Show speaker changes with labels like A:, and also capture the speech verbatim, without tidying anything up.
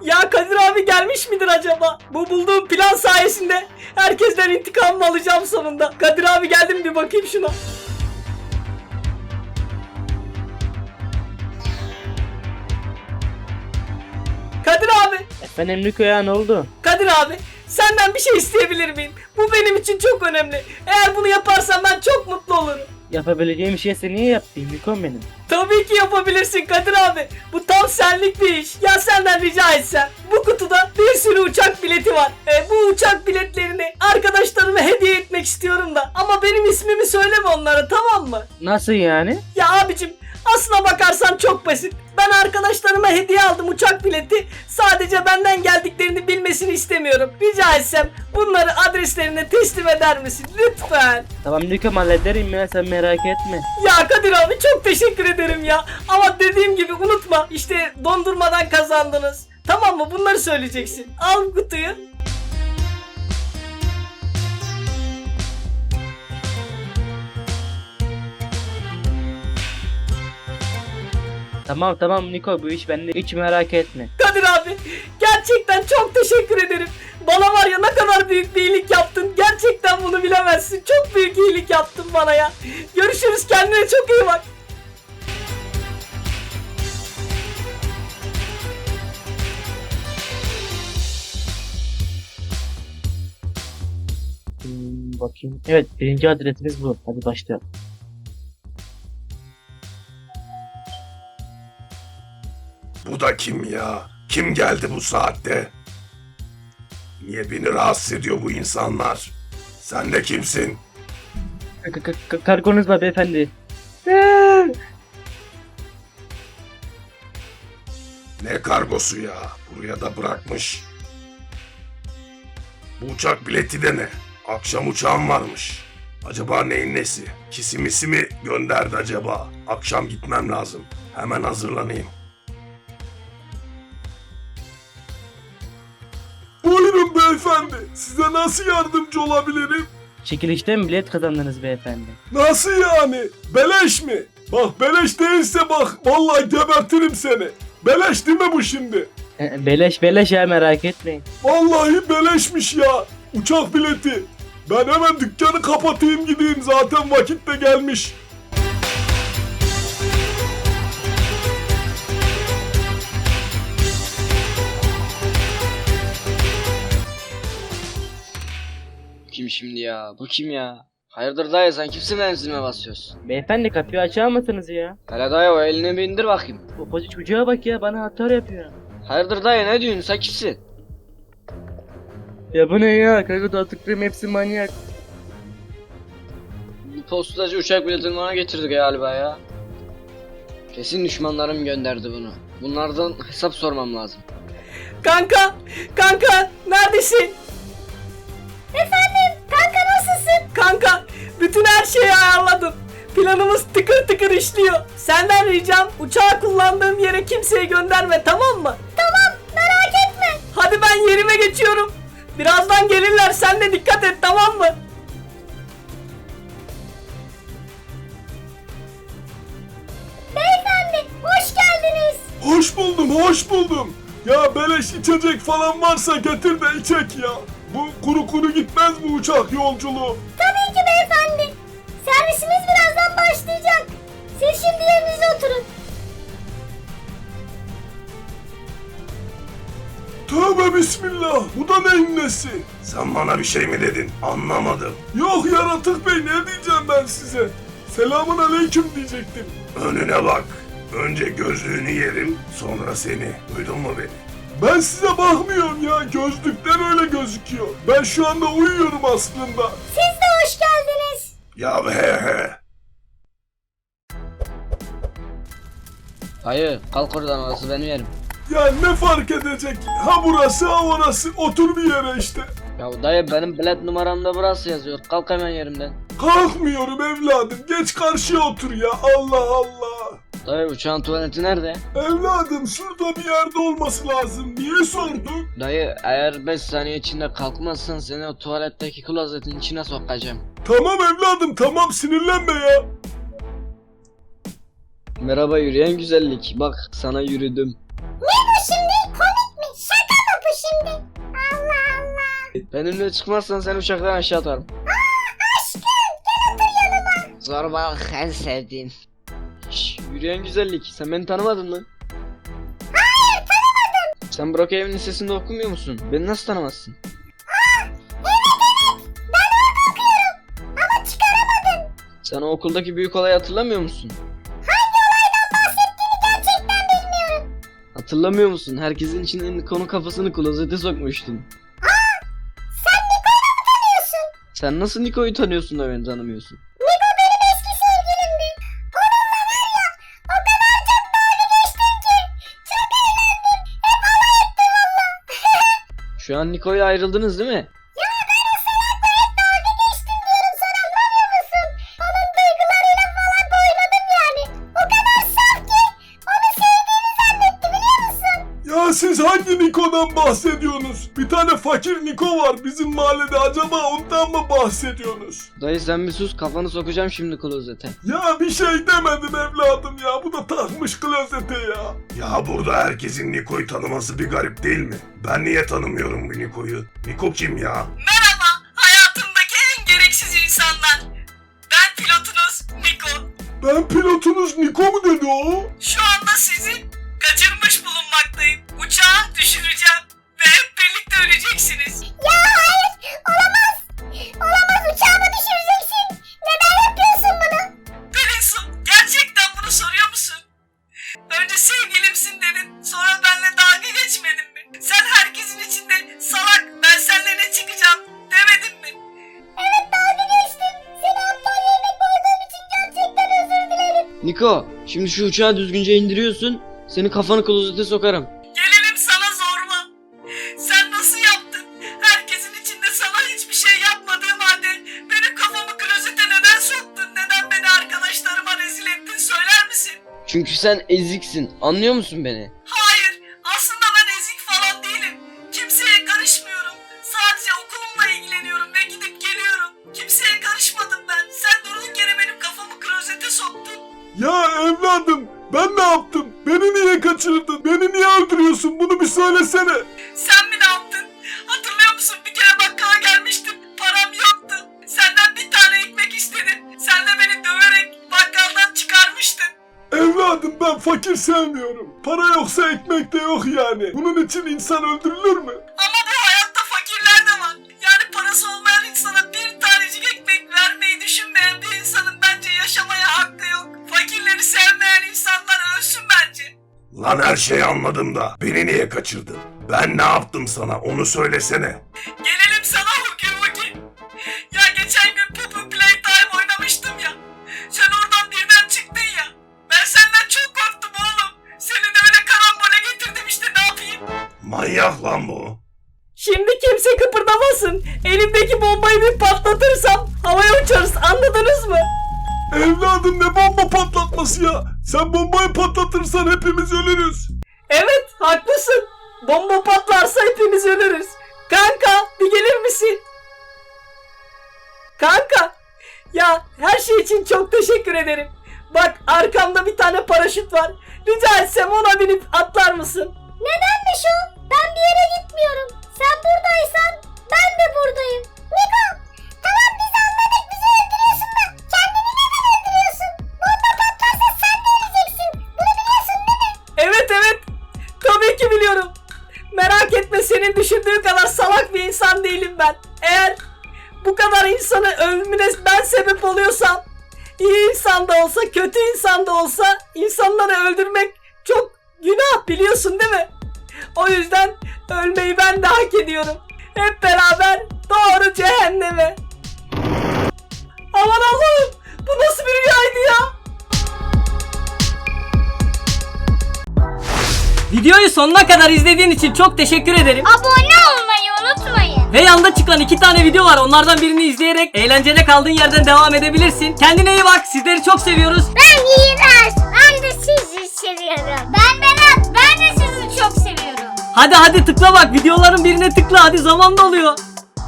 A: Ya Kadir abi gelmiş midir acaba? Bu bulduğum plan sayesinde herkesten intikamımı alacağım sonunda. Kadir abi geldi mi bir bakayım şuna. Kadir abi.
B: Efendim Niko ya, ne oldu?
A: Kadir abi senden bir şey isteyebilir miyim? Bu benim için çok önemli. Eğer bunu yaparsan ben çok mutlu olurum.
B: Yapabileceğim şeyse niye yaptın Niko'm benim?
A: Tabii ki yapabilirsin Kadir abi. Bu tam senlik bir iş. Ya senden rica etsem. Bu kutuda bir sürü uçak bileti var. E, bu uçak biletlerini arkadaşlarıma hediye etmek istiyorum da. Ama benim ismimi söyleme onlara, tamam mı?
B: Nasıl yani?
A: Ya abicim aslına bakarsan çok basit. Ben arkadaşlarıma hediye aldım uçak bileti. Sadece benden geldiklerini bilmesini istemiyorum. Rica etsem bunları adreslerine teslim eder misin? Lütfen.
B: Tamam Niko'm, hallederim ya, sen merak etme.
A: Ya Kadir abi çok teşekkür ederim ya. Ama dediğim gibi unutma. İşte dondurmadan kazandınız. Tamam mı? Bunları söyleyeceksin. Al kutuyu.
B: Tamam tamam Niko, bu iş bende, hiç merak etme.
A: Kadir abi gerçekten çok teşekkür ederim. Bana var ya ne kadar büyük bir iyilik yaptın. Gerçekten bunu bilemezsin. Çok büyük iyilik yaptın bana ya. Görüşürüz, kendine çok iyi bak.
B: Hmm, bakayım. Evet, birinci adresimiz bu. Hadi başlayalım.
C: Bu da kim ya? Kim geldi bu saatte? Niye beni rahatsız ediyor bu insanlar? Sen de kimsin?
B: K- k- k- Kargonuz var beyefendi.
C: Ne kargosu ya? Buraya da bırakmış. Bu uçak bileti de ne? Akşam uçağım varmış. Acaba neyin nesi? Kisimisi mi gönderdi acaba? Akşam gitmem lazım. Hemen hazırlanayım. Buyurun beyefendi. Size nasıl yardımcı olabilirim?
B: Çekilişten bilet kazandınız beyefendi.
C: Nasıl yani? Beleş mi? Bak beleş değilse bak vallahi gebertirim seni. Beleş değil mi bu şimdi?
B: E, Beleş beleş ya, merak etmeyin.
C: Vallahi beleşmiş ya. Uçak bileti. Ben hemen dükkanı kapatayım gideyim, zaten vakit de gelmiş.
D: Kim şimdi ya? Bu kim ya? Hayırdır dayı, sen kimsin benim zilime basıyorsun?
B: Beyefendi, kapıyı açar mısınız ya?
D: Hele dayı o elini bir indir bakayım.
B: O pozu çocuğa bak ya, bana atar yapıyor.
D: Hayırdır dayı, ne diyorsun, sen kimsin?
B: Ya bu ne ya? Kargo dağıtıklarım hepsi manyak.
D: Bu postacı uçak biletini bana getirdi galiba ya. Kesin düşmanlarım gönderdi bunu. Bunlardan hesap sormam lazım.
A: Kanka, kanka neredesin? Efendim, kanka nasılsın? Kanka, bütün her şeyi ayarladım. Planımız tıkır tıkır işliyor. Senden ricam uçağı kullandığım yere kimseyi gönderme, tamam mı? Tamam, merak etme. Hadi ben yerime geçiyorum. Birazdan gelirler, sen de dikkat et, tamam mı? Beyefendi, hoş geldiniz.
C: Hoş buldum, hoş buldum. Ya beleş içecek falan varsa getir de içek ya. Bu kuru kuru gitmez bu uçak yolculuğu.
E: Tabii ki beyefendi. Servisimiz birazdan başlayacak. Siz şimdi yerinize oturun.
C: Tövbe bismillah, bu da neyin nesi? Sen bana bir şey mi dedin? Anlamadım. Yok yaratık bey, ne diyeceğim ben size? Selamun aleyküm diyecektim. Önüne bak. Önce gözlüğünü yerim, sonra seni. Duydun mu beni? Ben size bakmıyorum ya, gözlükten öyle gözüküyor. Ben şu anda uyuyorum aslında.
E: Siz de hoş geldiniz.
C: Ya he he.
D: Dayı kalk oradan, orası benim yerim.
C: Ya ne fark edecek? Ha burası ha orası, otur bir yere işte.
D: Ya dayı, benim bilet numaramda burası yazıyor. Kalk hemen yerimden.
C: Kalkmıyorum evladım, geç karşıya otur ya, Allah Allah.
D: Dayı uçağın tuvaleti nerede?
C: Evladım şurada bir yerde olması lazım. Niye sordun?
D: Dayı eğer beş saniye içinde kalkmazsan seni o tuvaletteki klozetin içine sokacağım.
C: Tamam evladım, tamam, sinirlenme ya.
D: Merhaba yürüyen güzellik, bak sana yürüdüm.
E: Ne bu şimdi? Komik mi? Şaka
D: Benimle çıkmazsan seni uçaktan aşağı atarım.
E: Aşkım gel otur yanıma.
D: Zorbalık en sevdiğim. Şş, yürüyen güzellik. Sen beni tanımadın mı?
E: Hayır tanımadım.
D: Sen Brookhaven Lisesi'nde okumuyor musun? Beni nasıl tanımazsın?
E: Aa, evet evet ben orada okuyorum. Ama çıkaramadım.
D: Sen o okuldaki büyük olayı hatırlamıyor musun?
E: Hangi olaydan bahsettiğini gerçekten bilmiyorum.
D: Hatırlamıyor musun? Herkesin içine Niko'nun kafasını klozete sokmuştun.
E: Aa, sen Niko'yu mu tanıyorsun?
D: Sen nasıl Niko'yu tanıyorsun da beni tanımıyorsun?
E: Niko benim eski sevgilimdi. Onunla var ya o kadar çok dalga geçtim ki. Çok eğlendim. Hep alay ettim valla.
D: Şu an Niko'yla ayrıldınız değil mi?
E: Ya ben o salakla hep dalga geçtim diyorum sana anlamıyor musun? Onun duygularıyla falan oynadım yani. O kadar saf ki onu sevdiğini zannetti biliyor musun?
C: Ya siz hangi Niko'dan bahsediyorsunuz? Bir tane fakir Niko var bizim mahallede, acaba ondan mı bahsediyorsunuz?
D: Dayı sen bir sus, kafanı sokacağım şimdi klozete.
C: Ya bir şey demedim evladım ya, bu da takmış klozete ya. Ya burada herkesin Niko'yu tanıması bir garip değil mi? Ben niye tanımıyorum bu Niko'yu? Niko kim ya?
A: Merhaba hayatımdaki en gereksiz insanlar. Ben pilotunuz Niko.
C: Ben pilotunuz Niko mu dedi o?
A: Şu anda sizi kaçırmış bulunmaktayım. Uçağı düşüreceğim ve hep birlikte öleceksiniz.
E: Ya hayır olamaz. Olamaz uçağımı düşüreceksin. Neden yapıyorsun bunu?
A: Pelinsu gerçekten bunu soruyor musun? Önce sevgilimsin dedin, sonra benimle dalga geçmedin mi? Sen herkesin içinde salak, ben seninle ne çıkacağım demedin mi?
E: Evet dalga geçtim. Seni aptal yerine koyduğum için gerçekten özür dilerim.
D: Niko, şimdi şu uçağı düzgünce indiriyorsun. Seni kafanı klozete sokarım.
A: Gelelim sana zorba. Sen nasıl yaptın? Herkesin içinde sana hiçbir şey yapmadığım halde benim kafamı klozete neden soktun? Neden beni arkadaşlarıma rezil ettin söyler misin?
D: Çünkü sen eziksin. Anlıyor musun beni?
A: Hayır, aslında ben ezik falan değilim. Kimseye karışmıyorum. Sadece okulumla ilgileniyorum ve gidip geliyorum. Kimseye karışmadım ben. Sen durduk yere benim kafamı klozete soktun.
C: Ya evladım, ben ne yaptım? Beni niye kaçırdın? Beni niye öldürüyorsun? Bunu bir söylesene.
A: Sen mi ne yaptın? Hatırlıyor musun? Bir kere bakkala gelmiştim. Param yoktu. Senden bir tane ekmek istedim. Sen de beni döverek bakkaldan çıkarmıştın.
C: Evladım ben fakir sevmiyorum. Para yoksa ekmek de yok yani. Bunun için insan öldürülür mü?
A: Ama bu hayatta fakirler de var. Yani parası olmayan insana bir tanecik ekmek vermeyi düşünmeyen bir insanın bence yaşamaya hakkı yok. Fakirleri sevmeyen insanlar ölsün bence.
C: Lan her şeyi anladım da beni niye kaçırdın? Ben ne yaptım sana, onu söylesene.
A: Gelelim sana Hugi Hugi. Ya geçen gün Poppy Playtime oynamıştım ya. Sen oradan birden çıktın ya. Ben senden çok korktum oğlum. Seni de öyle karambole getirdim işte, ne yapayım?
C: Manyak lan bu.
A: Şimdi kimse kıpırdamasın. Elimdeki bombayı bir patlatırsam havaya uçarız, anladınız mı?
C: Evladım ne bomba patlatması ya? Sen bombayı patlatırsan hepimiz ölürüz.
A: Evet haklısın. Bomba patlarsa hepimiz ölürüz. Kanka bir gelir misin? Kanka ya her şey için çok teşekkür ederim. Bak arkamda bir tane paraşüt var. Rica etsem ona binip atlar mısın?
E: Nedenmiş o? Ben bir yere gitmiyorum. Sen buradaysan ben de buradayım. Niko tamam biz anladık bizi öldürüyorsun da kendini neden öldürüyorsun? Bomba patlarsa sen de öleceksin. Bunu biliyorsun değil mi?
A: Evet evet. Tabii ki biliyorum. Merak etme, senin düşündüğün kadar salak bir insan değilim ben. Eğer bu kadar insanı ölümüne ben sebep oluyorsam, iyi insan da olsa kötü insan da olsa insanları öldürmek çok günah, biliyorsun değil mi? O yüzden ölmeyi ben de hak ediyorum. Hep beraber doğru cehenneme. Aman Allah'ım, bu nasıl bir rüyaydı ya? Videoyu sonuna kadar izlediğin için çok teşekkür ederim.
E: Abone olmayı unutmayın.
A: Ve yanda çıkan iki tane video var. Onlardan birini izleyerek eğlenceli kaldığın yerden devam edebilirsin. Kendine iyi bak. Sizleri çok seviyoruz.
E: Ben İğrenç. Ben de sizi seviyorum. Ben Berat. Ben de sizi çok seviyorum.
A: Hadi hadi tıkla bak. Videoların birine tıkla. Hadi zaman doluyor.